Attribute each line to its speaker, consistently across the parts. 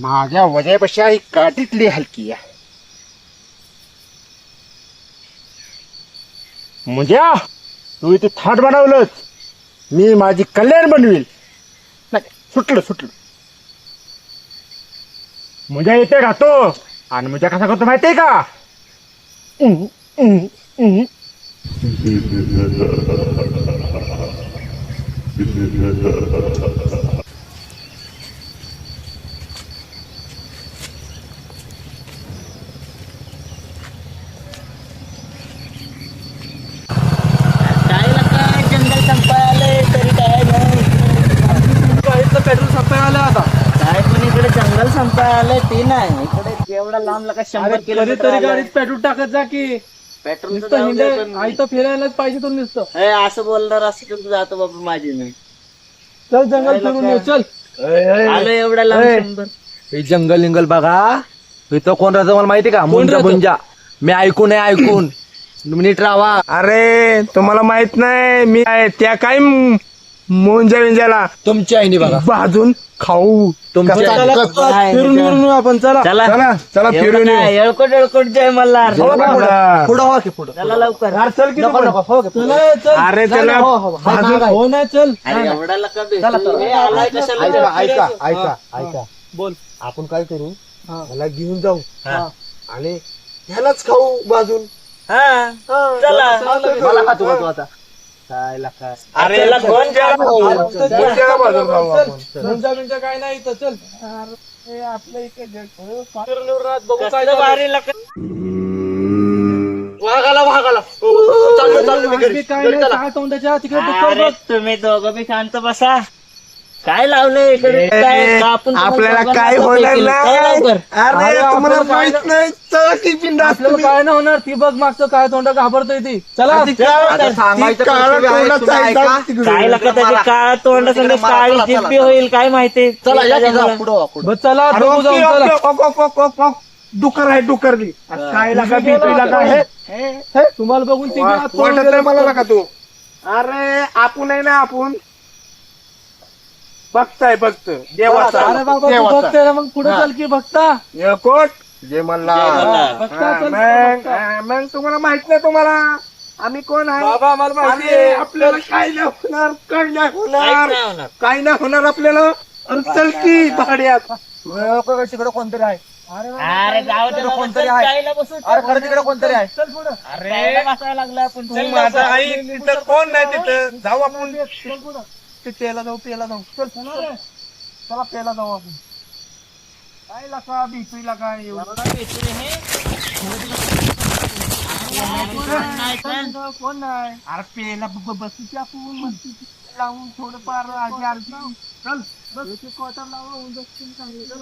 Speaker 1: माझ्या वजापेक्षा ही काठीतली हलकी आहे. म्हणजे तू इथे थाट बनवलंच, मी माझी कल्याण बनवील. नाही, सुटलं. मुजा इथे राहतो आणि मुजा कसा करतो माहितीये का?
Speaker 2: जंगल संपायला तरी काय नाही.
Speaker 3: पेट्रोल संपायला आलं आता.
Speaker 2: काय पण इकडे जंगल संपायला ते नाही. इकडे एवढा लांब लगा 100 किलोमीटर
Speaker 3: तरी गाडीत पेट्रोल टाकत जा की.
Speaker 2: पेट्रोल
Speaker 3: नुसतं हिंडे आई तर फिरायलाच पाहिजे तो नुसतं.
Speaker 2: असं बोलणार असं तर जातो बाबा माझी नाही.
Speaker 3: चल जंगल फिरून येऊ चल.
Speaker 2: आलो एवढा लांब 100.
Speaker 4: हे जंगल बघा, इथं कोण राहतं मला माहिती का?
Speaker 3: राहतं?
Speaker 4: मुंजा. मी ऐकून नीट राहा.
Speaker 5: अरे तुम्हाला माहित नाही मी त्या काय मुंजा विंजाला
Speaker 4: तुमच्या आईने बघा,
Speaker 5: भाजून खाऊ.
Speaker 4: तुमच्या
Speaker 2: काय
Speaker 3: फिरून येऊ आपण चला.
Speaker 2: चला
Speaker 5: चला फिरून येऊ.
Speaker 2: येळकोट जय मल्हार.
Speaker 4: पुढं हो की पुढं.
Speaker 2: चला लवकर.
Speaker 3: चला, चल.
Speaker 5: अरे त्याला भाजून
Speaker 3: हो नाही चल.
Speaker 2: अरे एवढा लका भेटतो. हे आलाय कशाला?
Speaker 5: ऐका
Speaker 3: बोल.
Speaker 5: आपण काय करू, मला घेऊन जाऊ आणि ह्यालाच खाऊ भाजून.
Speaker 2: हा चला.
Speaker 4: मला खातो आता. काय लाका.
Speaker 5: अरे
Speaker 2: त्याला कोण
Speaker 5: मुंजाला भाजून खाऊ आपण.
Speaker 3: मुंजा काय नाही इथं चल. अरे आपलं इथे फिरून येऊ राहत बघू काय
Speaker 2: कसलं भारी लका.
Speaker 4: वाघाला
Speaker 3: काय नाही काय तोंडाच्या तिकडे डुक्कर
Speaker 2: अरे
Speaker 3: बघ.
Speaker 2: तुम्ही दोघं बी शांत बसा. काय लावलंय इकडे? काय कापून
Speaker 5: आपल्याला
Speaker 2: तुम्ही
Speaker 5: काय
Speaker 2: दोघांना
Speaker 5: होणार
Speaker 2: केलं? काय
Speaker 5: नाही.
Speaker 2: लवकर?
Speaker 5: अरे तुम्हाला माहित नाही चला की बिंदास
Speaker 3: आपल्याला काय नाही होणार. ती बघ मागचं काय तोंड घाबरतोय ती. चला
Speaker 4: आता सांगायचं कर्तव्य आहे, तुम्ही ऐका.
Speaker 2: काय लका त्याची काळा तोंड संग काळी जिब्बी होईल काय माहिती.
Speaker 4: चला या की जा, पुढं वा, पुढं.
Speaker 3: बस चला बघू जाऊ चला.
Speaker 5: डुकर आहे डुकर बी. काय लागा भीती लागा हे
Speaker 3: तुम्हाला बघून ती बी आत पळून
Speaker 5: वाटत नाही
Speaker 3: गेलं.
Speaker 5: मला लागा तू. अरे आपण आहे ना आपण बघताय बघत देवाचा
Speaker 3: अरे बाबा तू
Speaker 5: देवाचा.
Speaker 3: बघते ना मग पुढे चल की बघता.
Speaker 5: येळकोट जे म्हणला
Speaker 3: बघता चल.
Speaker 5: मग तुम्हाला माहित नाही तुम्हाला आम्ही कोण आहे.
Speaker 3: बाबा मला माहिती
Speaker 5: अरे
Speaker 3: आहे.
Speaker 5: आपल्याला काय नाही होणार काय नाही
Speaker 2: काहीच
Speaker 5: होणार
Speaker 2: नाही होणार.
Speaker 5: काय नाही होणार आपल्याला. अरे चल की भाड्यात.
Speaker 4: तिकडे कोणतरी आहे.
Speaker 2: अरे जाऊ दे बाबा,
Speaker 4: कोणतरी
Speaker 2: चल,
Speaker 4: आहे.
Speaker 2: चायला बसू.
Speaker 4: अरे खरं तिकडे कोणतरी आहे.
Speaker 3: चल पुढं.
Speaker 2: चायला बसायला लागला आपण.
Speaker 5: तू माझा आई तिथं कोण नाही तिथं जाऊ आपण ते पेला जाऊ चल चला पेला जाऊ आपण. काय लागा बीपी लागा कोण नाही. अरे पेला बसू आपण मस्ती लावून थोडंफार आरती चल बस क्वार्टर लावून चल.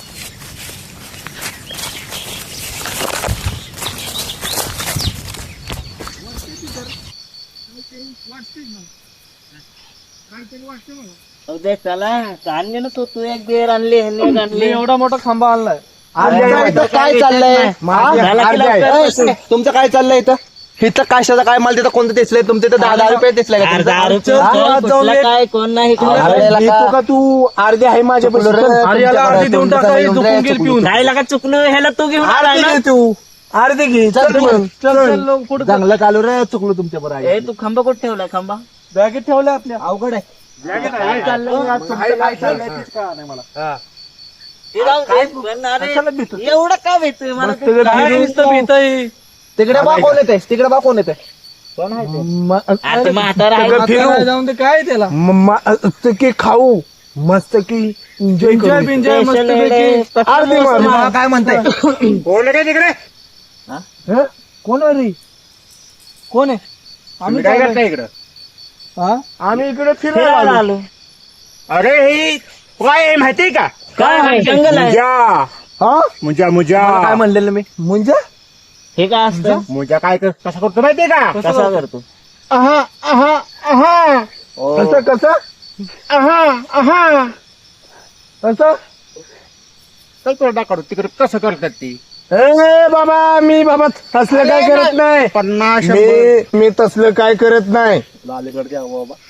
Speaker 2: उद्या चला आणले ना तू एक बेर आणली ह्याने एक
Speaker 3: मी
Speaker 2: आणली.
Speaker 3: एवढा मोठा खांबा आणलाय.
Speaker 4: इथं काय चाललंय?
Speaker 2: झाला की लवकर.
Speaker 4: तुमचं काय चाललंय इथं? इथं कशाचं काय मला तिथं कोणतं तेचलंय? तुमचं इथं 10 रुपये तेचलंय का
Speaker 2: अरे
Speaker 4: तुमचं?
Speaker 2: 10 रुपये
Speaker 3: हा,
Speaker 2: चल,
Speaker 3: जाऊन
Speaker 2: कुठलं
Speaker 3: ये.
Speaker 2: काय कोण नाही इकडे.
Speaker 4: अरे
Speaker 5: देतो
Speaker 4: लका.
Speaker 5: का तू अर्धी आहे माझ्या
Speaker 3: अरे याला अर्धी देऊन टाका हे झोपून गेल पिऊन.
Speaker 2: काय लागा चुकलं ह्याला तू घेऊन आलाय ना.
Speaker 5: तू अर्धी घे
Speaker 4: चल
Speaker 5: चल मग.
Speaker 3: चल पुढे
Speaker 4: चांगलं चालू रे, चुकलो तुमच्या बरोबर.
Speaker 2: ए तू खांबा कुठे ठेवलाय खांबा?
Speaker 3: बॅगेत ठेवल्या आपल्या.
Speaker 4: अवघड आहे.
Speaker 2: काय चाललंय आज तुमचं?
Speaker 4: काय चाललंय तेच कळलं नाही मला.
Speaker 2: हे जाऊ दे. पण अरे एवढं का भेटतोय मला ते?
Speaker 3: काय नुसतं भीतही.
Speaker 4: तिकडे बा कोण येते? तिकडे बा कोण येते?
Speaker 2: आता म्हातारा आहे.
Speaker 5: सगळं फिरू.
Speaker 3: काय जाऊन ते काय त्याला
Speaker 5: मस्त की खाऊ मस्त की एन्जॉय
Speaker 3: एन्जॉय
Speaker 5: करू.
Speaker 3: बिंजॉय मस्त
Speaker 2: Special आहे.
Speaker 5: अर्धी मार.
Speaker 4: मला काय म्हणताय?
Speaker 5: कोण आहे तिकडे
Speaker 3: हं? कोण आहे रे? कोण आहे? आम्ही
Speaker 1: काय
Speaker 3: काय
Speaker 1: करताय इकडं?
Speaker 3: हा?
Speaker 5: आम्ही इकडे
Speaker 2: फिरायला
Speaker 5: फिरायला आलो.
Speaker 2: आलो.
Speaker 1: अरे ही काय आहे माहितीये का?
Speaker 2: काय आहे? जंगल आहे.
Speaker 1: मुजा
Speaker 5: हा
Speaker 4: काय म्हणलेलं मी?
Speaker 5: मुंजा
Speaker 2: हे काय असतं?
Speaker 1: मुजा काय कसा करतो माहितीये का?
Speaker 2: कसा करतो?
Speaker 5: आहा आहा आहा कसं कसं आहा आहा कसं
Speaker 1: चल तुला दाखवतो तिकडे कसं करतात ती.
Speaker 5: ए बाबा मी बाबा तसलं काय करत नाही.
Speaker 1: 50
Speaker 5: मी तसलं काय करत नाही.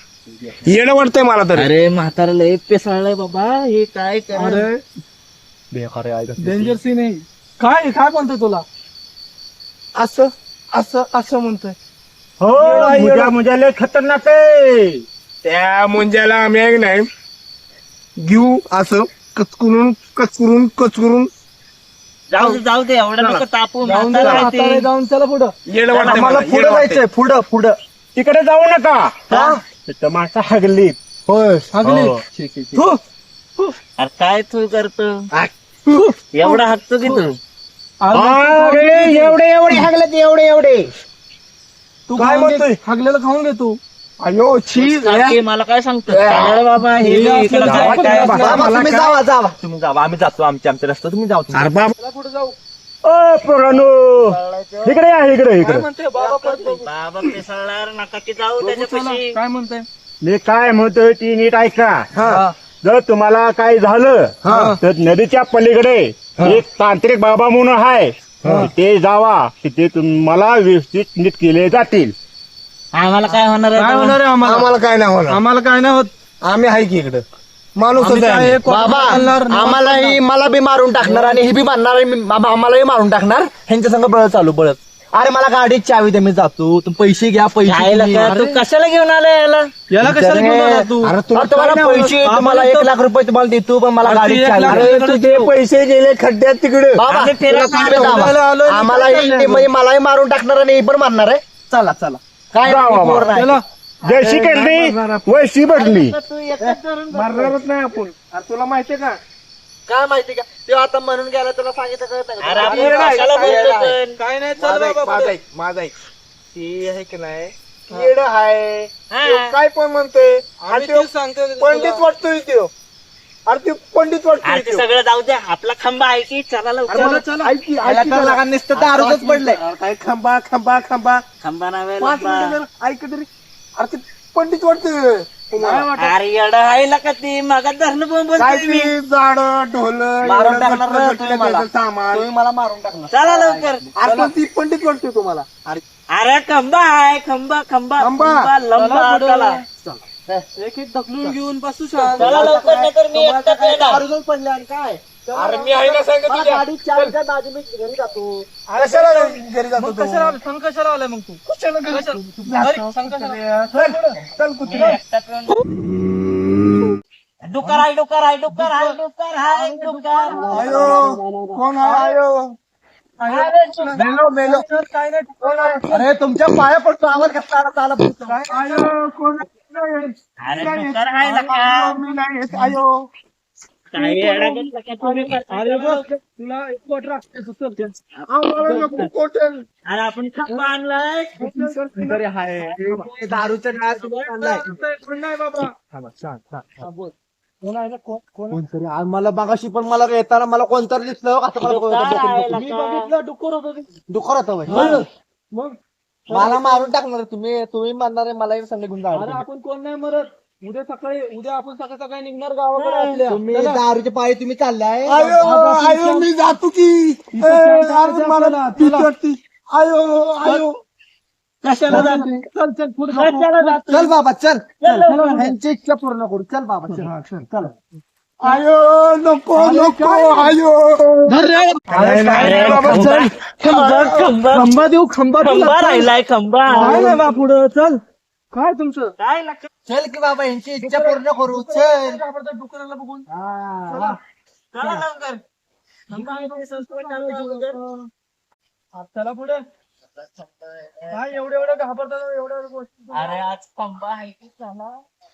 Speaker 5: येणं वाटतंय मला तर.
Speaker 2: अरे म्हातारा लय पेसाळलाय बाबा. हे काय कर?
Speaker 3: अरे
Speaker 4: बेकार आहे
Speaker 3: डेंजर सीन आहे. काय काय म्हणतोय तुला?
Speaker 5: असं असं असं म्हणतोय.
Speaker 1: हो मुजा लय खतरनाक आहे.
Speaker 5: त्या मुंज्याला आम्ही एक नाही घेऊ असं कचकुरून कचकुरून कचकुरून
Speaker 2: जाऊ दे एवढं नको तापू.
Speaker 3: जाऊन
Speaker 2: म्हातारं आहे ते.
Speaker 3: हाताने जाऊन चला पुढं.
Speaker 5: येड वाटतंय
Speaker 4: आम्हाला
Speaker 5: मला,
Speaker 4: पुढे
Speaker 5: येड वाटतंय.
Speaker 4: जायचंय पुढं
Speaker 1: तिकडे जाऊ नका. तिथं माणसं हगली.
Speaker 3: होय सांगली.
Speaker 1: हो.
Speaker 2: अरे काय तू करतो एवढा हाकतो की तू?
Speaker 1: एवढे हगले एवढे
Speaker 3: तू
Speaker 5: काय
Speaker 3: खाऊन घे,
Speaker 5: म्हणतोय?
Speaker 3: हागलेलं खाऊन घे तू.
Speaker 5: अयो छी
Speaker 2: सारखे मला काय सांगतो चालेल बाबा हे
Speaker 3: हे
Speaker 2: इकडं
Speaker 3: असलं
Speaker 2: काय
Speaker 3: काय
Speaker 2: काय
Speaker 3: पण
Speaker 4: बाबा,
Speaker 1: मला
Speaker 4: तुम्ही
Speaker 1: काय-
Speaker 4: जावा तुम्ही जावा आम्ही जातो आमच्या रस्ता तुम्ही जाऊ तुम्ही.
Speaker 1: अरे बाप
Speaker 3: चला पुढे जाऊ.
Speaker 1: ओ पोरांनो इकडे या इकडे
Speaker 3: काय
Speaker 1: इकडे.
Speaker 3: म्हणते बाबा परत बघू.
Speaker 2: बाबा पेसळणार नका की जाऊ
Speaker 3: बघू चला.
Speaker 2: त्याच्यापाशी.
Speaker 3: काय म्हणते?
Speaker 1: मी काय म्हणतोय ती नीट ऐका.
Speaker 3: हा.
Speaker 1: जर तुम्हाला काय झालं तर नदीच्या पलीकडे एक तांत्रिक बाबा म्हणून आहे. तिथे जावा. तिथे तुम्हाला व्यवस्थित नीट केले जातील.
Speaker 2: आम्हाला काय होणार आहे
Speaker 3: काय
Speaker 2: तेव्हा?
Speaker 3: होणार आहे आम्हाला?
Speaker 5: आम्हाला काय नाही होणार.
Speaker 3: आम्हाला काय नाही होत.
Speaker 5: आम्ही आहे की इकडं माणूस
Speaker 3: आम्ही काय एक वाजता
Speaker 4: बाबा
Speaker 3: चालणार, नऊ
Speaker 4: आम्हालाही मला बी मारून टाकणार आणि हे बी मारणार आणि बाबा आम्हालाही मारून टाकणार. ह्यांच्या संग बळ चालू बळत. अरे मला गाडीत चावी द्या मी जातो तुम्ही पैसे घ्या पैसे
Speaker 2: जायला
Speaker 4: तुम्ही.
Speaker 2: का? तू कशाला घेऊन आला याला?
Speaker 3: याला कशाला घेऊन आला तू?
Speaker 5: अरे
Speaker 4: अरे
Speaker 5: तुला
Speaker 4: तुम्हाला
Speaker 3: काय नाही
Speaker 4: पैसे
Speaker 3: होणार?
Speaker 4: तुम्हाला
Speaker 3: आम्हाला
Speaker 4: 1 लाख रुपये तुम्हाला देतो पण मला
Speaker 3: अरे
Speaker 4: गाडीत
Speaker 3: ती 1
Speaker 4: चावी
Speaker 3: लाख
Speaker 4: द्या.
Speaker 3: रुपये
Speaker 5: तुझे पैसे गेले खड्ड्यात तिकडे.
Speaker 4: बाबा
Speaker 2: आम्ही फिरायला
Speaker 4: तुला तुम्ही
Speaker 2: आलो.
Speaker 4: जावा.
Speaker 3: फिरायला आलोय,
Speaker 4: आम्हालाही
Speaker 3: काय
Speaker 4: ते म्हणजे मलाही मारून टाकणार आणि हे पण मारणार आहे. चला चला काय
Speaker 1: जावा
Speaker 4: नाही,
Speaker 1: बाबा.
Speaker 4: पोर नाही.
Speaker 3: चला.
Speaker 1: जैशी केली वैशी बदली.
Speaker 2: तू एकच धरून बस.
Speaker 5: मारणारच नाही आपण. अरे तुला माहितीये का
Speaker 4: काय माहिती का ते आता म्हणून गेला तुला सांगितलं कळत नाही का?
Speaker 2: अरे आपण
Speaker 5: येडा आहे,
Speaker 2: कशाला
Speaker 5: येडा
Speaker 2: बोलतो
Speaker 5: आहे.
Speaker 2: पण?
Speaker 3: काय नाही चल
Speaker 5: माझा ऐक,
Speaker 3: बाबा
Speaker 5: माझा
Speaker 3: पुढे.
Speaker 5: ऐक, माझा ऐक. ती आहे की नाही येड आहे.
Speaker 2: हा.
Speaker 5: तो काय पण म्हणतोय
Speaker 3: आम्ही
Speaker 5: आणि तो
Speaker 3: तेच सांगतोय
Speaker 5: पंडित
Speaker 3: तुला.
Speaker 5: वाटतोय तो. अरे ते पंडित वाटतोय
Speaker 2: अरे ते
Speaker 5: तो.
Speaker 2: सगळं जाऊ द्या. आपला खंबा आहे की चला लवकर.
Speaker 5: अरे मला ऐक की, ऐक
Speaker 4: याला
Speaker 5: की
Speaker 4: तर
Speaker 5: जरा.
Speaker 4: लगा नुसतं दारूच पडलंय.
Speaker 5: अरे काय खंबा खंबा खंबा
Speaker 2: खंबा नावे
Speaker 5: 5 मिनिटं जरा ऐक तरी. अरे ते पंडित वाटतोय तुम्हाला.
Speaker 2: अरे येडं आहे ना का ती मग धरणं बोंब
Speaker 5: काय
Speaker 2: बोलतोय मी.
Speaker 5: ते झाड ढोल
Speaker 4: मारून टाकणार ना तुम्ही मला.
Speaker 5: सामान.
Speaker 4: तुम्ही मला मारून टाकणार.
Speaker 2: चला लवकर.
Speaker 5: अरे पण ती पंडित वाटतोय तुम्हाला.
Speaker 2: अरे खंबा आहे खंबा खंबा
Speaker 5: खंबा.
Speaker 2: खंबा लंबा
Speaker 3: चला पुढे.
Speaker 2: चला.
Speaker 3: एक एक ढकलून घेऊन बसू शांत.
Speaker 2: चला लवकर नाही तर मी एकटाच येणार.
Speaker 4: दारूच पडले आणि काय
Speaker 5: अरे मी आहे ना सांगत
Speaker 4: मला
Speaker 5: तुझ्या.
Speaker 4: गाडीत चावी द्या, दाजी मी घरी जातो.
Speaker 5: कशाला घरी जातो
Speaker 3: मग
Speaker 5: तू?
Speaker 3: कशाला आलाय? सांग कशाला आलाय मग तू?
Speaker 5: कशाला घरी
Speaker 3: कशाला?
Speaker 5: जातो?
Speaker 3: घरी सांग कशाला?
Speaker 5: चल कुत्रे.
Speaker 2: डुकर आहे डुकर आहे डुकर आहे डुकर आहे डुकर.
Speaker 5: आयो कोण आहे आयो? मेलो मेलो.
Speaker 3: काय नाही.
Speaker 5: कोण आहे?
Speaker 4: अरे तुमच्या पाया पडतो आवाज कसला आला चालत काय
Speaker 5: आयो कोण आहे?
Speaker 2: अरे डुकर आहे ना का?
Speaker 5: मी नाही येत. आयो
Speaker 2: काय येडा घेतला का तुम्ही?
Speaker 3: अरे बस तुला एक कोट राखते सुचल.
Speaker 5: आम्हाला नको कोटेल.
Speaker 2: अरे आपण खंबा आणलाय.
Speaker 4: घरी आहे दारूच्या काय तुम्ही आणलाय
Speaker 3: कोण नाही बाबा.
Speaker 4: कोणतरी आज मला मागाशी पण मला येताना मला कोणतरी दिसलं असं मला
Speaker 2: डुक्कर आहे
Speaker 3: मी बघितलं डुक्कर होतं ते.
Speaker 4: दुखर होतं बाई.
Speaker 3: मग
Speaker 4: मला मारून टाकणार तुम्ही तुम्ही मारणार आहे मला संग घेऊन
Speaker 3: अरे
Speaker 4: जाणार
Speaker 3: आपण कोण नाही मरत. उद्या आपण सकाळी सकाळी निघणार गावाकडे आपल्या.
Speaker 4: तुम्ही
Speaker 3: चला.
Speaker 4: दारूच्या पायी तुम्ही चाललाय
Speaker 5: आयो आयो मी जातो की.
Speaker 3: इथं
Speaker 5: ए,
Speaker 3: चला,
Speaker 5: अरे मला
Speaker 3: चला,
Speaker 5: भीती
Speaker 3: चला.
Speaker 5: वाटते. आयो आयो
Speaker 2: कशाला जातो?
Speaker 3: चल चल पुढे
Speaker 2: कशाला जातो?
Speaker 4: चल बाबा चल
Speaker 2: चल, चल.
Speaker 4: ह्यांची इच्छा पूर्ण करू चल बाबा चल चल
Speaker 5: आयो नको नको आयो.
Speaker 2: अरे
Speaker 5: बाबा,
Speaker 2: खंबा खंबा खंबा
Speaker 3: खंबा देऊ खंबा
Speaker 2: खंबा राहिलाय खंबा.
Speaker 3: काय नाही बा पुढं चल. काय तुमचं?
Speaker 2: काय लागतं?
Speaker 4: चल की बाबा यांची इच्छा पूर्ण करू चल
Speaker 3: डुकराला बघून.
Speaker 2: चला लवकर. खंबा आहे तो संस्कृत चालू आहे लवकर.
Speaker 3: चला पुढे. काय एवढं घाबरतात एवढ्या गोष्टी.
Speaker 2: अरे आज खंबा आहे की चला.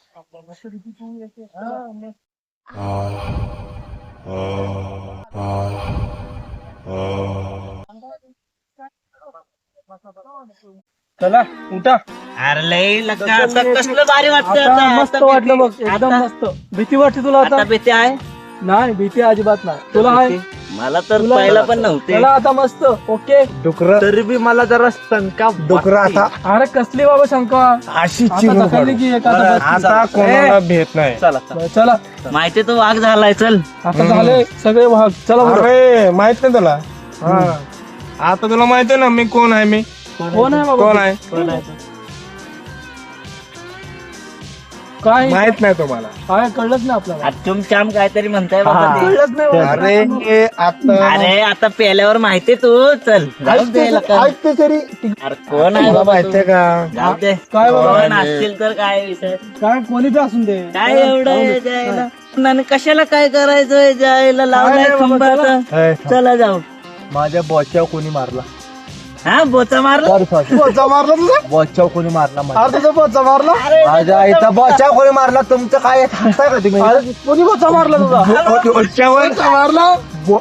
Speaker 3: चला उठा.
Speaker 2: अरे लय लका आता कसलं भारी वाटतं
Speaker 3: आता मस्त वाटलं बघ
Speaker 2: भीती-
Speaker 3: एकदम
Speaker 2: आता-
Speaker 3: मस्त. भीती वाटते तुला
Speaker 2: आता
Speaker 3: आता?
Speaker 2: भीती आहे.
Speaker 3: नाही भीती अजिबात नाही. तुला आहे?
Speaker 2: मला तर
Speaker 3: तुला-
Speaker 2: पहिला पण नव्हते.
Speaker 3: चला आता मस्त ओके.
Speaker 5: डुकर
Speaker 4: तरी बी मला जरा शंका
Speaker 5: डुकर आता
Speaker 3: अरे कसली बाबा शंका.
Speaker 5: अशी
Speaker 3: आता
Speaker 5: चिरून
Speaker 3: ढकलली की एक आता बस.
Speaker 5: आता कोणाला भेट नाही.
Speaker 4: चला
Speaker 3: चला
Speaker 2: माहिती तो वाघ झालाय चल.
Speaker 3: आता झाले सगळे भाग. चला बरं.
Speaker 5: अरे माहित नाही तुला. हा. आता तुला माहित आहे ना मी कोण आहे. मी
Speaker 3: कोण आहे बाबा?
Speaker 5: कोण आहे.
Speaker 3: काय
Speaker 5: माहित नाही तुम्हाला
Speaker 3: काय कळलंच नाही आपल्याला.
Speaker 2: चुमचाम काहीतरी म्हणताय बाबा ते.
Speaker 3: कळलंच नाही मला.
Speaker 5: अरे हे आता
Speaker 2: अरे आता पेल्यावर माहिती तू चल जाऊ दे लका.
Speaker 5: ऐकते तरी
Speaker 2: अरे कोण आहे
Speaker 5: तुला
Speaker 2: बाबा
Speaker 5: माहितीये का
Speaker 2: जाऊ दे
Speaker 3: काय बाबा?
Speaker 2: कोण असतील तर काय विषय
Speaker 3: काय कोणी बी असून दे.
Speaker 2: काय एवढं आहे जायला आणि कशाला काय करायचं जायला लावलाय
Speaker 3: नाही बाबा,
Speaker 2: खंबाचा चला जाऊ
Speaker 4: माझ्या बॉच्यावर कोणी मारला
Speaker 2: हा बोचा मारला
Speaker 5: पोचा मारला तुझा
Speaker 4: बॉच्यावर कोणी मारला माझ्या.
Speaker 5: अरे तुझा पोचा मारला
Speaker 4: माझ्या आईचा बॉच्यावर कोणी मारला तुमचं काय सांगताय का तुम्ही
Speaker 5: अरे कोणी पोचा मारला तुझा ओच्यावर मारला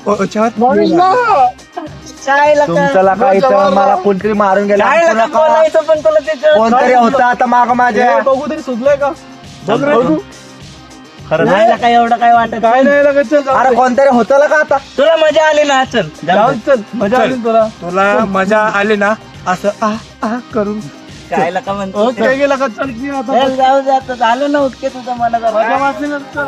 Speaker 2: काय लका?
Speaker 4: तुमच्याला काय इथं मला कोणतरी मारून गेला
Speaker 2: काय लका बोलायचं पण तुला ते कळत
Speaker 4: कोणतरी होता आता माग माझ्या
Speaker 3: हे बघू तरी सुचलंय का?
Speaker 2: बघ रे. नाही लका एवढं काय वाटत
Speaker 3: काय नाही लगेच चल जाऊ
Speaker 4: अरे
Speaker 3: दे.
Speaker 4: कोणतरी होतं का आता
Speaker 2: तुला मजा आली ना चल जाऊ
Speaker 3: जाऊ
Speaker 2: दे.
Speaker 3: दे, चल मजा आली ना तुला.
Speaker 5: तुला मजा आली ना असं आ करून
Speaker 2: काय लका म्हणतो
Speaker 3: काय गेला का चल की आता.
Speaker 2: चल जाऊ दे आता झालं ना उतके तुझं मला
Speaker 3: मजा वाटली ना चल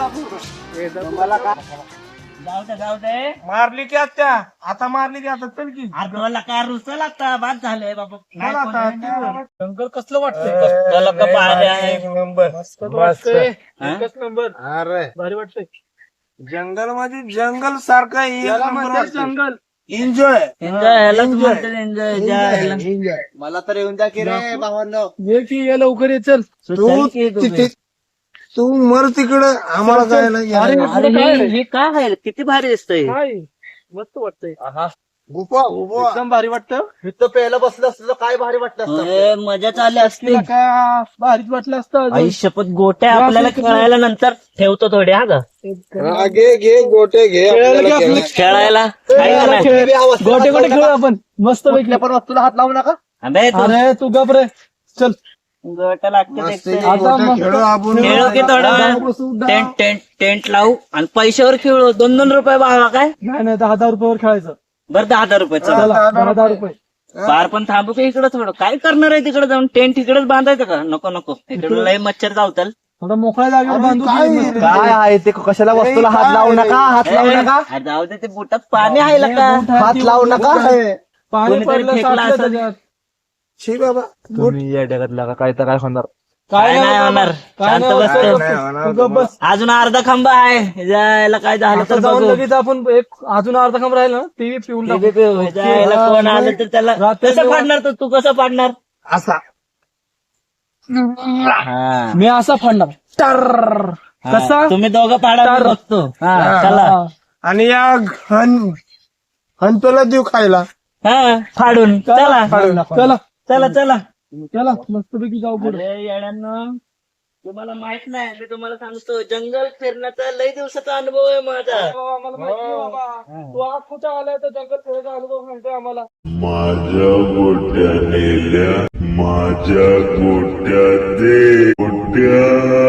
Speaker 3: आपण.
Speaker 2: जाऊ दे
Speaker 5: मारली की आत्या आता मारली की आता चल की
Speaker 2: अरे तुला लका रुसल आता बाद झालंय बाबा नाही
Speaker 5: चल
Speaker 2: कोण
Speaker 5: आता
Speaker 2: आहे?
Speaker 3: जंगल कसलं वाटतंय?
Speaker 2: तुला लका भारी आहे
Speaker 5: एक नंबर
Speaker 3: वाटतंय.
Speaker 2: हा?
Speaker 3: एकच नंबर
Speaker 5: अरे
Speaker 3: भारी वाटतंय.
Speaker 5: जंगल मध्ये जंगल सारखं
Speaker 3: याला म्हणतात जंगल.
Speaker 5: एन्जॉय
Speaker 2: एन्जॉय ह्यालाच म्हणतात एन्जॉय जायला
Speaker 4: मला तर येऊन जा की रे भावांनो
Speaker 3: ये की ये लवकर ये चल.
Speaker 5: तू तिथे तू मर तिकडं आम्हाला काय नाही
Speaker 3: अरे
Speaker 2: अरे हे काय आहे किती भारी दिसतंय
Speaker 3: काय मस्त वाटतंय.
Speaker 5: गुफा गुफा
Speaker 3: एकदम भारी वाटतं.
Speaker 4: इथं प्यायला बसलं असतं तर काय भारी वाटलं असतं
Speaker 2: अरे, मजा चालली असती
Speaker 3: तिला काय भारीच वाटलं असतं अजून.
Speaker 2: आई शपथ गोट्या आपल्याला खेळायला नंतर ठेवतो थोड्या हा का
Speaker 5: घे घे गोटे घे
Speaker 3: खेळायला की
Speaker 5: आपल्याला
Speaker 3: आपलं-
Speaker 2: खेळायला काय
Speaker 3: खेळायला
Speaker 2: नाही.
Speaker 3: खेळ. गोटे गोटे खेळू आपण मस्त पैकी.
Speaker 4: कुठल्या पण वस्तूला हात लावू नका
Speaker 2: अबे तू
Speaker 3: अरे तू गप रे चल.
Speaker 2: गोट्या लागते
Speaker 5: मस्त
Speaker 2: देखते.
Speaker 3: आता मस्त
Speaker 5: खेळू आपण
Speaker 2: खेळू की थोडा वेळ टेंट टेंट टेंट लावू आणि पैशावर खेळू 2-2 रुपये बाबा काय
Speaker 3: नाही नाही 10,000 रुपयावर खेळायचं.
Speaker 2: बरं 10,000 रुपये चला
Speaker 3: चला 10,000 रुपये.
Speaker 2: बार पण थांबू का इकडं थोडं काय करणार आहे तिकडे जाऊन टेंट इकडेच बांधायचं का नको नको इकडे लय मच्छर चावताल
Speaker 3: थोडा मोकळ्या जागेवर बांधू
Speaker 5: काय?
Speaker 3: दे मस्त.
Speaker 4: काय आहे ते कशाला वस्तूला हात लावू नका हात लावू नका
Speaker 2: अरे जाऊ दे ते बुटात पाणी आहे का
Speaker 4: हात लावू नका
Speaker 3: पाणी
Speaker 2: कोणीतरी
Speaker 3: पडलं
Speaker 2: फेकलं
Speaker 3: साचलं
Speaker 2: असेल.
Speaker 3: त्याच्यात.
Speaker 5: शी बाबा
Speaker 4: तुम्ही या जगात लागा काय तर काय होणार
Speaker 2: काय नाही
Speaker 3: बाबा.
Speaker 2: होणार
Speaker 3: काय
Speaker 2: शांत
Speaker 3: नाही
Speaker 2: बसतो
Speaker 3: होणार.
Speaker 5: नाही होणार
Speaker 3: तू गप बस.
Speaker 2: अजून अर्धा खांबा आहे जायला काय झालं
Speaker 3: आता
Speaker 2: तर
Speaker 3: जाऊन
Speaker 2: बघू.
Speaker 3: लगेच आपण एक अजून अर्धा कम राहील ना टीव्ही पिऊन टाकू.
Speaker 2: TV पिऊ. जायला कोण आलं तर त्याला
Speaker 3: रात्री
Speaker 2: कसं
Speaker 3: जेव्हा-
Speaker 2: पाडणार तू कसं पाडणार
Speaker 5: असा
Speaker 2: हा.
Speaker 3: मी असा फाडणार टर.
Speaker 2: हा.
Speaker 3: कसा
Speaker 2: तुम्ही दोघं पाडा मी
Speaker 3: तर.
Speaker 2: बघतो हा चला
Speaker 3: हा.
Speaker 5: आणि या हंतोला देऊ खायला
Speaker 2: हा फाडून चला
Speaker 3: चला
Speaker 2: चला चला
Speaker 3: चला मस्तपैकी जाऊ पुढे.
Speaker 2: अरे येड्यांनो तुम्हाला माहित नाही मी तुम्हाला सांगतो जंगल फिरण्याचा लय दिवसाचा अनुभव आहे माझा
Speaker 3: आम्हाला माहिती आहे बाबा. तू आज कुठं आलाय तर जंगल फिरायचा अनुभव सांगतोय आम्हाला.
Speaker 6: माझ्या गोट्या नेल्या माझ्या गोट्या दे गोट्या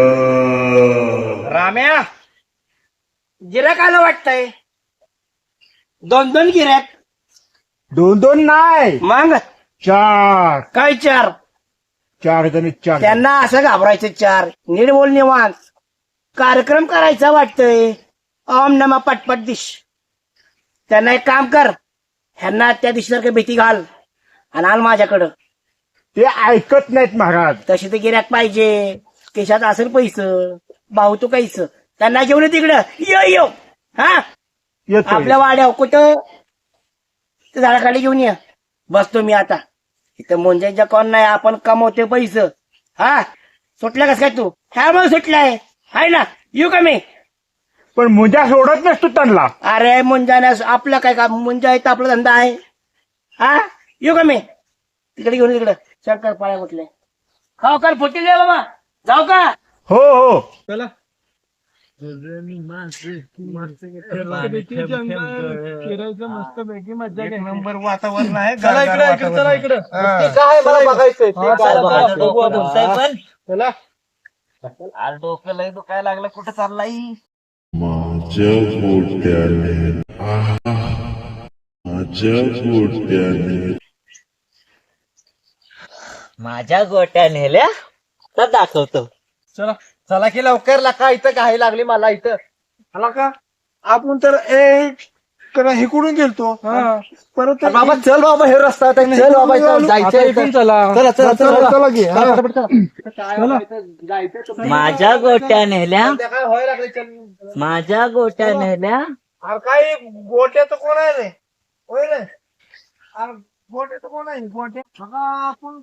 Speaker 5: राम्या गिऱ्हाईक आलं वाटतंय 2-2 गिऱ्हाईक
Speaker 1: 2-2 नाही
Speaker 5: मग
Speaker 1: 4
Speaker 5: काय 4
Speaker 1: जणी 4
Speaker 5: त्यांना असं घाबरायचं 4 नीट बोल निवांत कार्यक्रम करायचा वाटतंय ओम नमा पटपट दिश त्यांना एक काम कर ह्यांना त्या दिशेसारखं भीती घाल आणि आल माझ्याकडं
Speaker 1: ते ऐकत नाहीत महाराज
Speaker 5: तशी ते गिऱ्हाईक पाहिजे केशात असेल पैसं भाऊ तू काहीच त्यांना घेऊन ये तिकडं यो हा
Speaker 1: येतो
Speaker 5: आपल्या वाड्यावर कुठं ते झाडाखाली घेऊन ये बसतो मी आता इथं मुंजाईच्या कोण नाही आपण कमवते पैसे हा सुटला कस काय तू ह्या मग सुटलाय हाय ना येऊ का मी
Speaker 1: पण मुंजा सोडत नसतो त्यांना
Speaker 5: अरे मुंजाण्यास आपलं काय का मुंजा इथं आपला धंदा आहे हा येऊ का मी तिकडे घेऊन तिकडं शंकर पाळ्या कुठले खाऊ कर फुटी दे बाबा जाऊ का
Speaker 1: हो हो
Speaker 3: चला मस्तपैकी जंगल फिरायचं मस्तपैकी मजा घ्यायची.
Speaker 5: नंबर वातावरण आहे
Speaker 3: चला इकडे चला इकडे.
Speaker 4: ते काय मला बघायचंय ते
Speaker 3: हा,
Speaker 4: काय
Speaker 3: चला,
Speaker 4: बघायचं.
Speaker 3: चला, बघू आपण.
Speaker 2: बोलताय पण
Speaker 3: चला
Speaker 2: आज डोकं लय दुखायला लागलं कुठं चाललाय
Speaker 6: माझ्या गोट्याने माझ्या गोट्याने
Speaker 2: माझ्या गोट्या नेल्या तर दाखवतो
Speaker 3: चला
Speaker 4: चला की लवकर लाका इथं काही लागली मला इथं
Speaker 5: आला का आपण तर एक
Speaker 3: करा हिकडून गेलतो परत
Speaker 4: अरे बाबा चल बाबा हे रस्ता आहे, चल बाबा इथं जायचंय इथं. चला चला चला
Speaker 3: चला की हा.
Speaker 4: चला, पटापट चला.
Speaker 2: माझ्या गोट्या नेल्या
Speaker 4: काय व्हायला लागलंय, चल.
Speaker 2: माझ्या गोट्या नेल्या
Speaker 3: अरे काय गोट्याचं कोण आहे रे होय रे अरे गोट्याचं कोण आहे गोट्या बघा आपण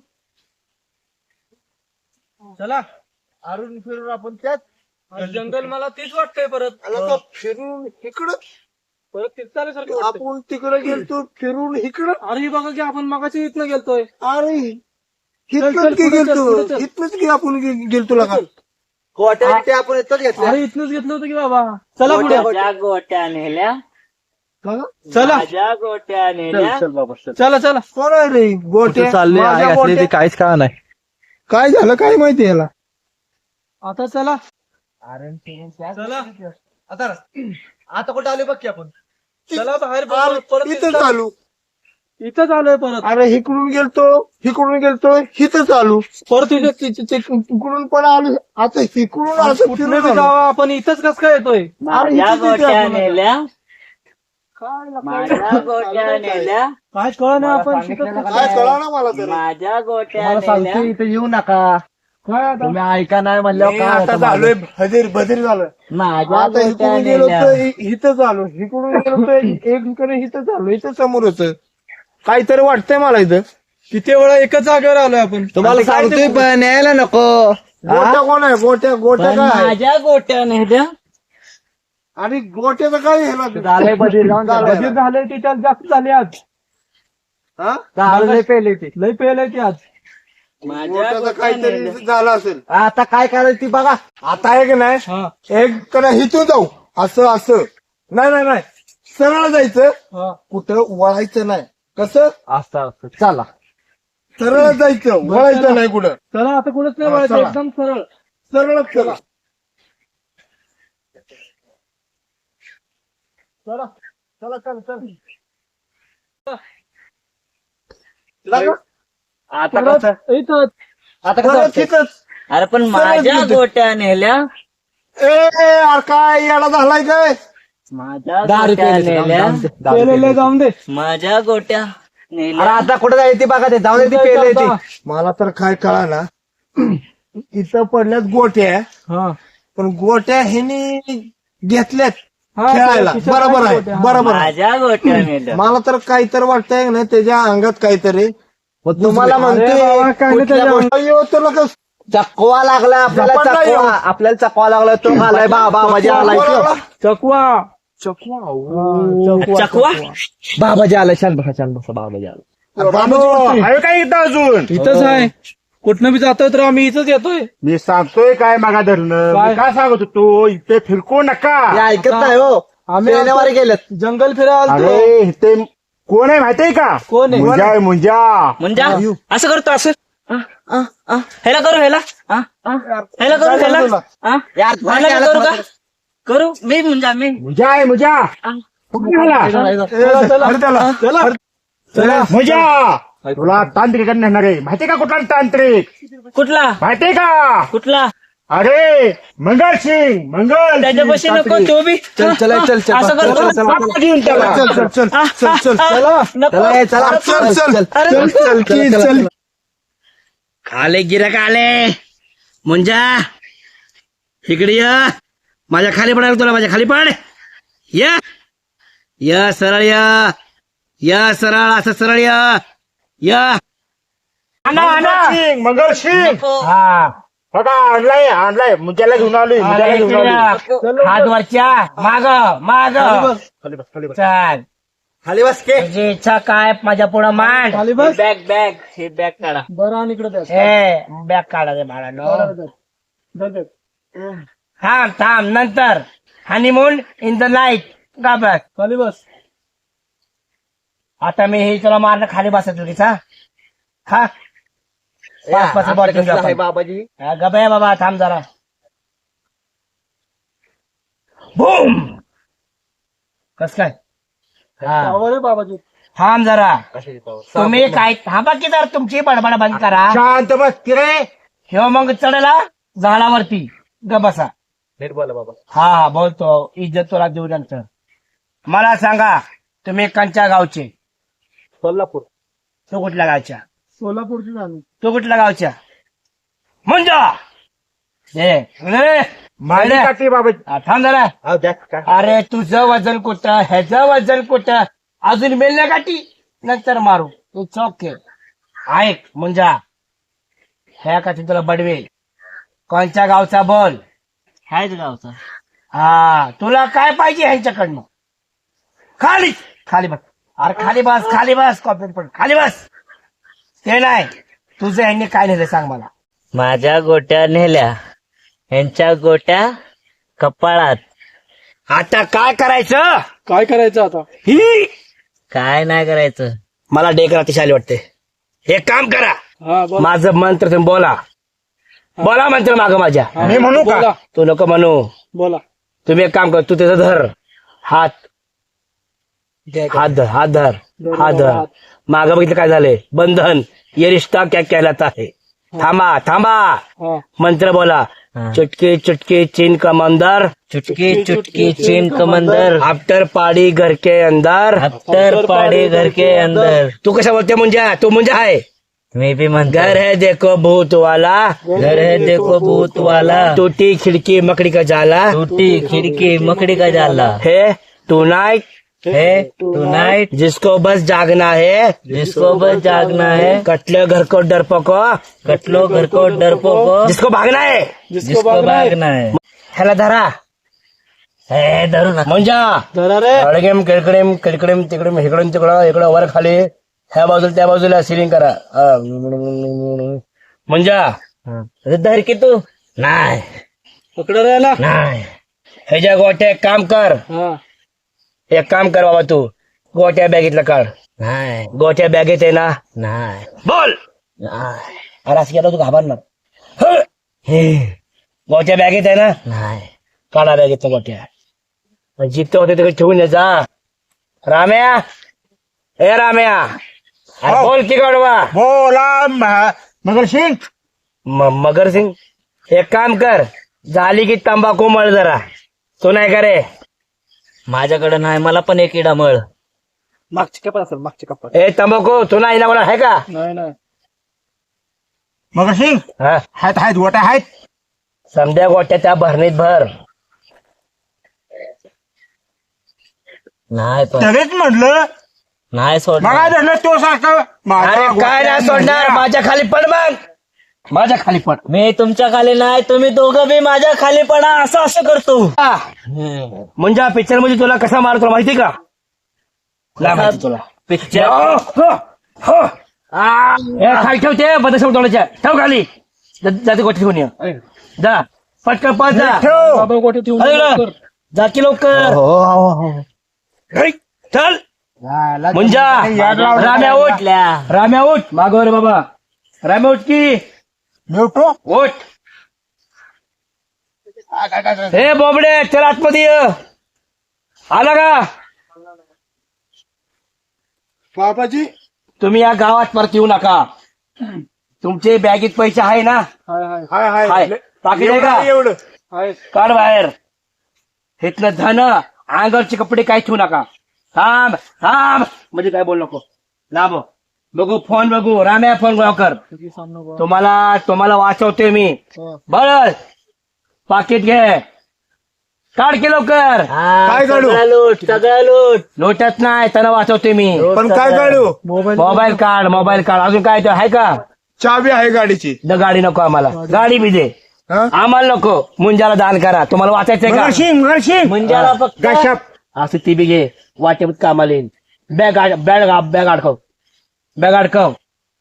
Speaker 4: चला अरुण फिरून आपण त्याच
Speaker 3: जंगल मला तीच वाटतंय परत फिरून इकडं परत तिथं आपण तिकडे गेलतो फिरून इकडं अरे बघा की आपण मगाशी इथनं गेलतोय अरे इथनच की गेलतो इथनच की आपण गेलतो लगा
Speaker 4: गोट्या आपण इथंच घेतल्या.
Speaker 3: अरे इथनच घेतलं होतं की बाबा चला पुढे
Speaker 2: माझ्या गोट्या नेल्या
Speaker 3: चला
Speaker 2: माझ्या गोट्या नेल्या
Speaker 3: चला चला कोण आहे रे गोट्या
Speaker 4: चालले
Speaker 3: माझ्या
Speaker 4: आहे असले ते
Speaker 3: गोट्या.
Speaker 4: काहीच कळा नाही.
Speaker 3: काय झालं काय माहिती याला आता चला चला
Speaker 4: आता कुठे आले बघ की आपण.
Speaker 3: चला बाहेर परत इथं चालू इथं चालू आहे परत अरे हिकडून गेलतो इथं चालू परत तिकडून पण आलो आता हिकडून असं फिरून जावा आपण इथंच कस काय येतोय
Speaker 2: माझ्या गोट्या नेल्या माझ्या गोट्या नेल्या
Speaker 3: काय कळ ना आपण काय कळा ना मला तर
Speaker 2: माझ्या गोट्या
Speaker 4: मला सांगतो
Speaker 2: नेल्या
Speaker 4: इथे येऊ नका.
Speaker 3: काय आता
Speaker 4: तुम्ही ऐका नाही म्हणल्यावर काय
Speaker 3: आता
Speaker 4: होतं
Speaker 3: झालोय बधीर झालं
Speaker 2: माझ्या
Speaker 3: आता
Speaker 2: गोट्या
Speaker 3: इकडून गेलो
Speaker 2: नेल्या
Speaker 3: तर इथं चालू इकडून गेलो तर एककडे इथं चालू इथं समोरच काहीतरी वाटतंय मला इथं किती वेळा एकच जागेवर आलोय आपण
Speaker 4: तुम्हाला सांगतोय पण न्यायला नको.
Speaker 3: गोट्या कोण आहे गोट्या
Speaker 2: पण
Speaker 3: काय आहे?
Speaker 2: माझ्या गोट्या नेल्या
Speaker 3: आणि गोट्याचं काय ह्याला
Speaker 4: झालंय बधीर जाऊन
Speaker 3: बधीर झालंय ते त्याला जास्त झाले आज हा
Speaker 4: झालंय पहिले ते.
Speaker 3: लय पेलंय ते आज
Speaker 2: माझ्या
Speaker 3: गोट्याचं
Speaker 2: गोट्या
Speaker 3: काहीतरी
Speaker 2: नेल्या
Speaker 3: झालं असेल
Speaker 4: आता काय करायचं ती बघा.
Speaker 3: आता आहे की नाही एक कडे इथून जाऊ असं नाही सरळ जायचं कुठं वळायचं नाही कसं
Speaker 4: असं असं चला.
Speaker 3: सरळ जायचं वळायचं नाही कुठं चला आता कुठंच नाही वळायचं एकदम सरळ चला चला
Speaker 2: आता कसं
Speaker 3: इथं
Speaker 4: आता कसं वाटतंय?
Speaker 2: अरे पण माझ्या गोट्या नेल्या
Speaker 3: अरे काय याला झालाय काय
Speaker 2: माझ्या
Speaker 4: दारू
Speaker 2: गोट्या
Speaker 4: प्यायली,
Speaker 2: नेल्या
Speaker 4: जाऊन दे, दारू प्यायली.
Speaker 3: जाऊन दे
Speaker 2: माझ्या गोट्या
Speaker 4: अरे
Speaker 2: नेल्या
Speaker 4: आता कुठे जायची बघा ते जाऊ दे ती पेले ती.
Speaker 3: मला तर काय कळा ना इथं पडल्यात गोट्या पण गोट्या ह्यानी घेतल्यात खेळायला बरोबर आहे
Speaker 2: माझ्या गोट्या नेल्या
Speaker 3: मला तर काहीतरी वाटतंय ना त्याच्या अंगात काहीतरी
Speaker 4: मग तुम्हाला
Speaker 3: म्हणतोय
Speaker 4: चकवा लागला आपल्याला
Speaker 3: झपाटला
Speaker 4: चकवा
Speaker 3: येऊ.
Speaker 4: आपल्याला चकवा लागला तो आलाय बाबाजी आलाय
Speaker 3: चकवा
Speaker 2: चकवा
Speaker 4: बाबाजी आलाय शांत बसा बाबाजी आला.
Speaker 1: आहे का इथं अजून
Speaker 3: इथंच आहे कुठनं बी जातोय तर आम्ही इथंच येतोय
Speaker 1: मी सांगतोय काय मागा धरणं
Speaker 3: काय?
Speaker 1: मी काय सांगत होतो इथे फिरकू नका
Speaker 4: हे ऐकत नाही हो.
Speaker 3: आम्ही
Speaker 4: पेण्यावारे गेलेत.
Speaker 3: जंगल फिरायला
Speaker 1: अरे इथे कोण आहे माहितीये का
Speaker 3: कोण आहे?
Speaker 1: मुंजा आहे मुंजा
Speaker 2: म्हणजे असं करतो असं ह्याला करू ह्याला ह्याला करू ह्याला
Speaker 4: यार,
Speaker 2: ह्याला करू का करू मी मी
Speaker 1: मुंजा आहे मुंजा मुंजा तुला तांत्रिक नेणार आहे माहितीये का कुठला तांत्रिक
Speaker 2: कुठला
Speaker 1: माहितीये का
Speaker 2: कुठला
Speaker 1: अरे मंगल सिंग मंगल
Speaker 2: त्याच्यापाशी नको तो बी
Speaker 4: चल चल चल चल
Speaker 2: असं करतो
Speaker 1: बाबा घेऊन त्याला.
Speaker 2: नको
Speaker 4: चला हे, चला
Speaker 2: अरे आले गिराक आले मुंजा इकडे ये माझ्या खाली पडायला तुला माझ्या खाली पड या सरळ या सरळ असं सरळ या
Speaker 1: मंगल सिंग हा बघा आणलाय मुंजाला घेऊन आलोय मुंजाला घेऊन आलोय
Speaker 2: हात वरच्या माग चाल
Speaker 4: खाली बस के
Speaker 2: तुझी इच्छा काय माझ्या पुढं मांड बॅग हे बॅग काढा
Speaker 3: बरं आणि इकडे
Speaker 2: हे बॅग काढा रे बाळानो थांब नंतर हनीमून इन द नाईट का बघ
Speaker 3: खाली बस
Speaker 2: आता मी हे तुला मारणं खाली बसा चुकीचा हा पाच बॉडी घेऊन जा
Speaker 4: बाबाजी
Speaker 2: गबया बाबा थांब जरा बूम कस काय
Speaker 3: बाबाजी
Speaker 2: थांब जरा तुम्ही काय थांबा की जरा तुमची बडबड बंद करा
Speaker 1: शांत बस की रे
Speaker 2: ह्यो मग चढला झाडावरती ग बसा
Speaker 4: नीट बोला बाबा.
Speaker 2: हा बोलतो इज्जत तुला देऊ नंतर मला सांगा
Speaker 5: तुम्ही कंच्या गावचे?
Speaker 3: सोलापूर.
Speaker 5: तो कुठल्या गावच्या?
Speaker 3: सोलापूरची झाली.
Speaker 5: तो कुठल्या गावच्या? म्हणजे
Speaker 1: माझी काठी बाबा.
Speaker 5: थांब जरा. अरे तुझं वजन कुठं, ह्याचं वजन कुठं, अजून मेलल्या गाठी नंतर मारू. तू चौक ऐक म्हणजे ह्या काठी तुला बडवेल. कोणत्या गावचा बोल?
Speaker 4: हायच गावचा.
Speaker 5: हा तुला काय पाहिजे ह्यांच्याकडनं? खाली खाली बस. अरे खाली बस कॉपी पण खाली बस. ते नाही तुझं ह्यांनी काय नेलं सांग मला.
Speaker 4: माझ्या गोट्या नेल्या, ह्यांच्या गोट्या कपाळात.
Speaker 5: आता काय करायचं?
Speaker 3: काय करायचं आता?
Speaker 5: ही
Speaker 4: काय नाही करायचं.
Speaker 5: मला डेक रात्री वाटते. हे काम करा.
Speaker 3: हा बोला.
Speaker 5: माझं मंत्र तुम्ही बोला. बोला मंत्र माग माझ्या.
Speaker 1: मी म्हणू का?
Speaker 3: बोला.
Speaker 5: तू नको म्हणू.
Speaker 3: बोला.
Speaker 5: तुम्ही एक काम कर. तू त्याचं धर हात धर. माग बघितलं काय झालंय? बंधन ये रिश्ता क्या कहलाता है. थांबा
Speaker 3: हा.
Speaker 5: मंत्र बोला. चुटकी चुटकी चीन कमंदर,
Speaker 4: चुटकी चुटकी चीन कमंदर,
Speaker 5: आफ्टर पाड़ी घर के अंदर.
Speaker 4: अफ्तर पाड़े घर के अंदर.
Speaker 5: तू कशा बोलते मुंजा? तू मुंजा आहे.
Speaker 4: मी भी म्हणतो.
Speaker 5: घर है देखो भूत वाला,
Speaker 4: घर है देखो भूत वाला,
Speaker 5: टूटी खिड़की मकड़ी का जाला.
Speaker 4: टूटी खिड़की मकड़ी का जाला.
Speaker 5: है टुनाइट
Speaker 4: है टुनाइट,
Speaker 5: जिसको बस जागना है,
Speaker 4: जिसको बस जागना है,
Speaker 5: कटले घर को डरपोको,
Speaker 4: कटलो घर को डरपोको,
Speaker 5: जिसको भागना है.
Speaker 3: जिसको भागना है.
Speaker 5: ह्याला धरा.
Speaker 4: हे धरू नका.
Speaker 5: मुंजा
Speaker 3: धरा रे.
Speaker 5: अडगेम किडकडेम किडकडेम तिकडे इकडून तिकडं इकडं वर खाली ह्या बाजूला त्या बाजूला सिलिंग करा. मुंजा
Speaker 4: धर की तू.
Speaker 5: नाही
Speaker 3: पकड रे याला.
Speaker 5: नाही ह्याच्या गोट्या एक काम कर.
Speaker 3: हा.
Speaker 5: एक काम कर बाबा, तू गोट्या बॅगेतला काढ.
Speaker 4: नाही
Speaker 5: गोट्या बॅगेत आहे ना?
Speaker 4: नाही
Speaker 5: बोल.
Speaker 4: नाही
Speaker 5: अरे असं केलं तू घाबरणार. हं. गोट्या बॅगेत आहे ना?
Speaker 4: नाही.
Speaker 5: काढा बॅगेत गोट्या. जिथे होते तिकडे ठेवून ये जा. राम्या ए राम्या, अरे बोल की गाडवा.
Speaker 1: बोला मगर सिंग.
Speaker 5: मगर सिंग एक काम कर, झाली की तंबाखू मळ जरा. तू नाही का रे?
Speaker 4: माझ्याकडे नाही. मला पण एक इडा मळ.
Speaker 3: मागची कपाट असेल. मागची कपाट.
Speaker 5: ए तंबाखू तू नाही ना मला आहे का?
Speaker 3: नाही.
Speaker 1: मगर सिंग
Speaker 5: हा
Speaker 1: आहेत गोट्या आहेत.
Speaker 5: समध्या गोट्या त्या भरणीत भर.
Speaker 4: नाही पण
Speaker 1: तरीच म्हटलं
Speaker 4: नाही सोड.
Speaker 1: मग धरलं तो सारखं.
Speaker 5: अरे काय नाही सोडणार. माझ्या खाली पड मग. माझ्या खाली पड.
Speaker 4: मी तुमच्या खाली नाही. तुम्ही दोघं बी माझ्या खाली पडा. असं करतो.
Speaker 5: म्हणजे पिक्चर मध्ये तुला कसा मारतो तुला माहिती का? नाही माहिती तुला.
Speaker 4: पिक्चर
Speaker 5: खाली ठेवते बदल तोडायच्या. ठेव खाली. जाते गोष्टी ठेवून ये. जा पटकन पळ जा.
Speaker 3: बाबा गोटे ठेवून
Speaker 5: अरे
Speaker 3: लवकर.
Speaker 5: इकडं. जा की लवकर. घरी. चल मुंजा. राम्या उठ. राम्या उठ. मागव रे बाबा. राम्या उठ की.
Speaker 1: मी उठतो.
Speaker 5: उठ. हे बोबडे चल आतमध्ये ये. आला का?
Speaker 3: बाबाजी.
Speaker 5: तुम्ही या गावात परत येऊ नका. तुमचे बॅगेत पैसे आहे ना?
Speaker 3: हाय
Speaker 5: हाय. पाकिट आहे का?
Speaker 1: एवढं
Speaker 3: हाय.
Speaker 5: काढ बाहेर. इथलं धन अंगावरचे कपडे काही ठेवू नका. थांब म्हणजे काय बोल नको. लांब बघू. फोन बघू. राम्या फोन कर. तुम्हाला वाचवते मी. बरं पाकिट घे. काढ की लवकर.
Speaker 1: काय काढू?
Speaker 4: सगळं लूट.
Speaker 5: लोटत नाही त्यांना वाचवते मी.
Speaker 1: पण काय काढू?
Speaker 5: मोबाईल काढ. अजून काय आहे का?
Speaker 1: चावी आहे गाडीची.
Speaker 5: गाडी नको आम्हाला. गाडी बी दे.
Speaker 1: हं?
Speaker 5: आम्हाला नको. मुंजाला दान करा. तुम्हाला वाचायचंय का?
Speaker 1: मगर सिंग
Speaker 4: मुंजाला फक्त
Speaker 1: गशप.
Speaker 5: असं ती बी घे. वाटेत कामाला येईल. बॅग अडकव.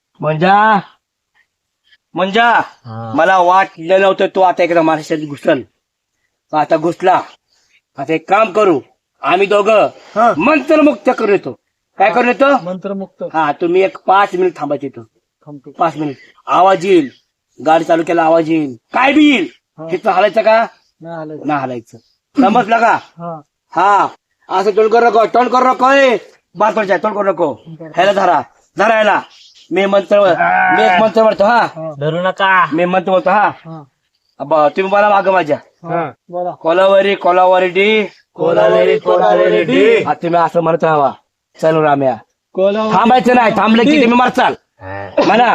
Speaker 5: म्हणजे मला वाटलं नव्हतं तू आता एकदा महाराष्ट्रात घुसल. आता घुसला. आता एक काम करू. आम्ही दोघं
Speaker 1: हं.
Speaker 5: मंत्रमुक्त करून येतो. काय करून येतो?
Speaker 3: मंत्रमुक्त.
Speaker 5: हा तुम्ही एक 5 मिनिट थांबायचे इथं.
Speaker 3: थांबतो.
Speaker 5: 5 मिनिट. आवाज येईल. गाडी चालू केला आवाज येईल. काय बी येईल. तिथं हलायचं का?
Speaker 3: नाही आलं.
Speaker 5: नाही हलायचं. समजलं का?
Speaker 3: हा.
Speaker 5: हा असं तोंड करू नको. बात पडच्या तोंड करू नको. ह्याला धरा ह्याला. मी एक मंत्र म्हणतो. हा
Speaker 4: धरू नका.
Speaker 5: मी मंत्र म्हणतो. हा
Speaker 3: हा.
Speaker 5: तुम्ही मला माग माझ्या.
Speaker 3: बोला.
Speaker 5: कोलावरी डी.
Speaker 4: कोलावेरी डी.
Speaker 5: तुम्ही असं म्हणत राहावा.
Speaker 2: चल राम्या
Speaker 3: कोला
Speaker 2: थांबायचं नाही थांबलं की तुम्ही मारचाल म्हणा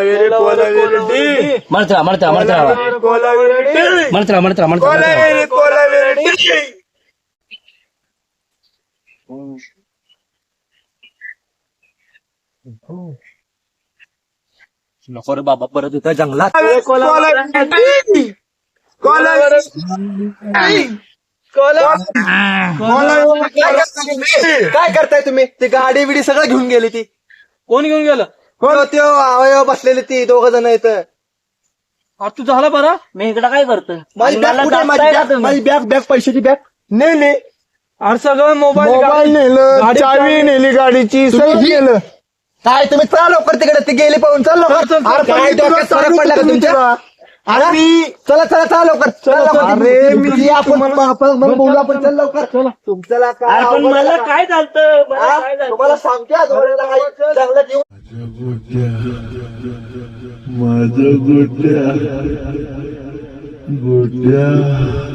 Speaker 2: म्हणता म्हणता म्हणता म्हणता म्हणता म्हणता
Speaker 4: नको रे बाबा परत इथं जंगलात काय करताय तुम्ही ती गाडी बिडी सगळं घेऊन गेली ती
Speaker 3: कोण घेऊन गेलं
Speaker 4: कोण ते अवयव बसलेली ती दोघ जण इथं
Speaker 3: अरे तू झाला बरा
Speaker 5: मी इकडं काय करतोय
Speaker 4: माझी बॅग कुठे आहे? माझी बॅग पैशाची बॅग नाही
Speaker 3: अरे सगळं मोबाईल
Speaker 1: नेलं चावी नेली गाडीची सगळं गेलं
Speaker 4: काय तुम्ही चला लवकर तिकडे ती गेली पाहून चल लवकर अरे काय डोक्यात फरक पडला का तुमच्या अरे चला चला चला लवकर चला लवकर अरे मी आपण बोलू आपण चल लवकर तुमच्याला काय
Speaker 5: पण मला काय झालं
Speaker 4: तुम्हाला सांगते आज वडिलांना काही जंगलात येऊन
Speaker 6: माझ्या गोट्या गोट्या